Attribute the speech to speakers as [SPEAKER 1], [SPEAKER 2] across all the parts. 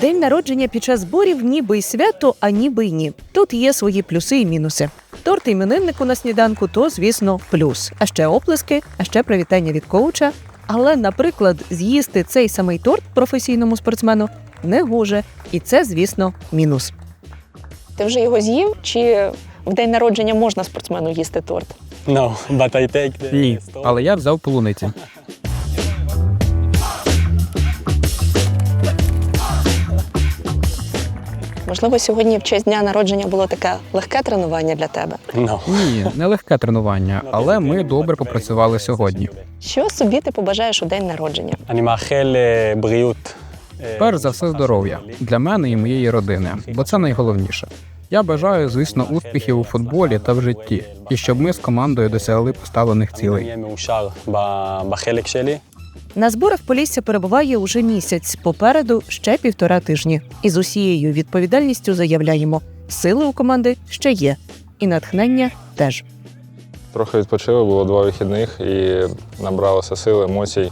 [SPEAKER 1] День народження під час зборів ніби й свято, а ніби й ні. Тут є свої плюси і мінуси. Торт імениннику на сніданку – то, звісно, плюс. А ще оплески, а ще привітання від коуча. Але, наприклад, з'їсти цей самий торт професійному спортсмену не гоже. І це, звісно, мінус.
[SPEAKER 2] Ти вже його з'їв? Чи в день народження можна спортсмену їсти торт?
[SPEAKER 3] No, but I take the
[SPEAKER 4] Ні,
[SPEAKER 3] stone.
[SPEAKER 4] але я взяв полуниці.
[SPEAKER 2] Можливо, сьогодні в честь дня народження було таке легке тренування для тебе?
[SPEAKER 3] No.
[SPEAKER 4] Ні, не легке тренування, але ми добре попрацювали сьогодні.
[SPEAKER 2] Що собі ти побажаєш у день народження?
[SPEAKER 3] אני מאחל בריאות.
[SPEAKER 4] Перш за все здоров'я для мене і моєї родини, бо це найголовніше. Я бажаю, звісно, успіхів у футболі та в житті, і щоб ми з командою досягли поставлених цілей.
[SPEAKER 3] אהיה מאושר בחלק שלי.
[SPEAKER 1] На зборах Полісся перебуває уже місяць, попереду ще 1,5 тижні. І з усією відповідальністю заявляємо – сили у команди ще є. І натхнення теж.
[SPEAKER 5] Трохи відпочили, було 2 вихідних і набралося сил, емоцій.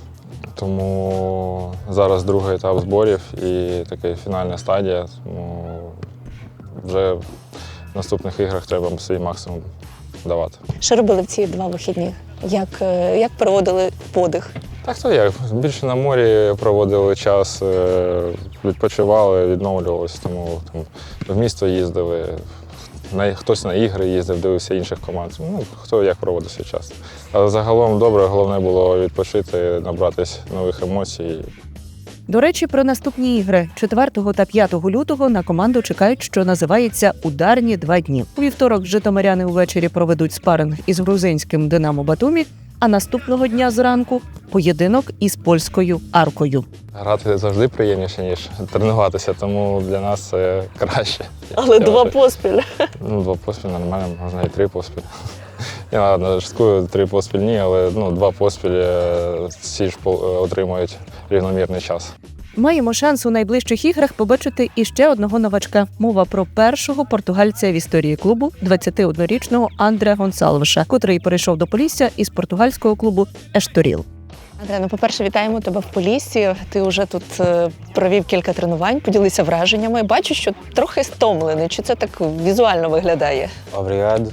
[SPEAKER 5] Тому зараз другий етап зборів і така фінальна стадія. Тому вже в наступних іграх треба свій максимум давати.
[SPEAKER 2] Що робили в ці 2 вихідні? Як проводили подих?
[SPEAKER 5] Так то як, більше на морі проводили час, відпочивали, відновлювалися, тому там, в місто їздили, хтось на ігри їздив, дивився інших команд. Ну, хто як проводив свій час. Але загалом добре, головне було відпочити, набратись нових емоцій.
[SPEAKER 1] До речі, про наступні ігри. 4 та 5 лютого на команду чекають, що називається «Ударні 2 дні». У вівторок житомиряни увечері проведуть спаринг із грузинським «Динамо Батумі», а наступного дня зранку – поєдинок із польською «Аркою».
[SPEAKER 5] Грати завжди приємніше, ніж тренуватися, тому для нас це краще.
[SPEAKER 2] Але 2 поспіль.
[SPEAKER 5] Ну, 2 поспіль нормально, можна і 3 поспіль. Я ладно, шуткую, 3 поспіль ні, але 2 поспіль всі ж отримують рівномірний час.
[SPEAKER 1] Маємо шанс у найближчих іграх побачити іще одного новачка. Мова про першого португальця в історії клубу, 21-річного Андре Гонсалвеша, котрий перейшов до Полісся із португальського клубу «Ешторіл».
[SPEAKER 2] Андре, по-перше, вітаємо тебе в Поліссі. Ти вже тут провів кілька тренувань, поділися враженнями. Бачу, що трохи стомлений. Чи це так візуально виглядає?
[SPEAKER 3] Obrigado.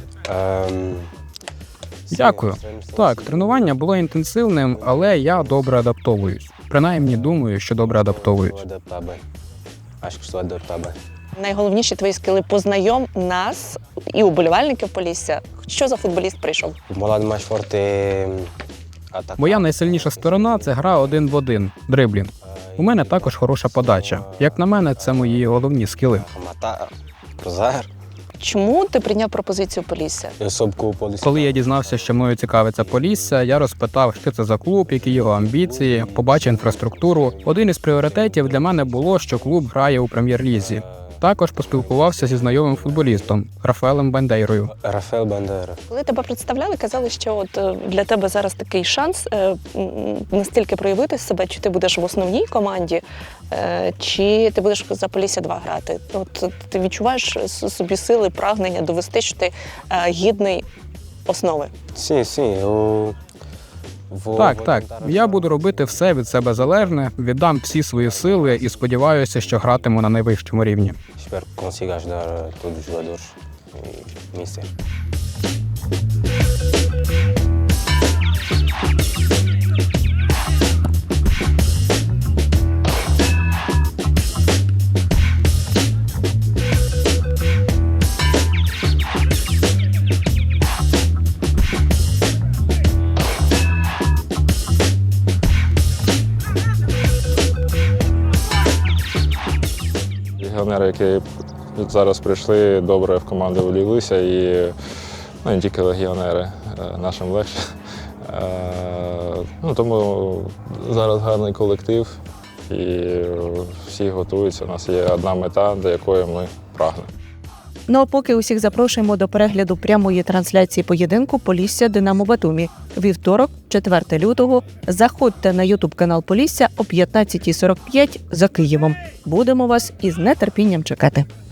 [SPEAKER 4] Дякую. Так, тренування було інтенсивним, але я добре адаптовуюсь. Принаймні, думаю, що добре адаптовуюсь.
[SPEAKER 3] Acho que estou adaptável.
[SPEAKER 2] Найголовніші твої скили – познайом нас і уболівальників Полісся. Що за футболіст прийшов?
[SPEAKER 3] O meu lado mais forte é atacar.
[SPEAKER 4] Моя найсильніша сторона – це гра 1 в 1, дриблінг. У мене також хороша подача. Як на мене, це мої головні скіли.
[SPEAKER 3] Rematar, cruzar.
[SPEAKER 2] Чому ти прийняв пропозицію Полісся?
[SPEAKER 3] Eu soube que o Polícia
[SPEAKER 4] Коли я дізнався, що мною цікавиться Полісся, я розпитав, що це за клуб, які його амбіції, побачив інфраструктуру. Один із пріоритетів для мене було, що клуб грає у прем'єр-лізі. Також поспілкувався зі знайомим футболістом Рафаелем Бандейрою.
[SPEAKER 3] Rafael Bandeira.
[SPEAKER 2] Коли тебе представляли, казали, що от для тебе зараз такий шанс настільки проявити себе, чи ти будеш в основній команді, чи ти будеш за Полісся 2 грати. От ти відчуваєш собі сили, прагнення довести, що ти гідний основи.
[SPEAKER 3] Sim, sim, eu vou
[SPEAKER 4] Так. Я буду робити все від себе залежне, віддам всі свої сили і сподіваюся, що гратиму на найвищому рівні.
[SPEAKER 3] Espero que consiga ajudar todos os jogadores e mister.
[SPEAKER 5] Легіонери, які зараз прийшли, добре в команду вліглися і не тільки легіонери, нашим легше. Тому зараз гарний колектив і всі готуються. У нас є одна мета, до якої ми прагнемо.
[SPEAKER 1] Ну а поки усіх запрошуємо до перегляду прямої трансляції поєдинку Полісся Динамо Батумі. Вівторок, 4 лютого. Заходьте на ютуб-канал Полісся о 15:45 за Києвом. Будемо вас із нетерпінням чекати.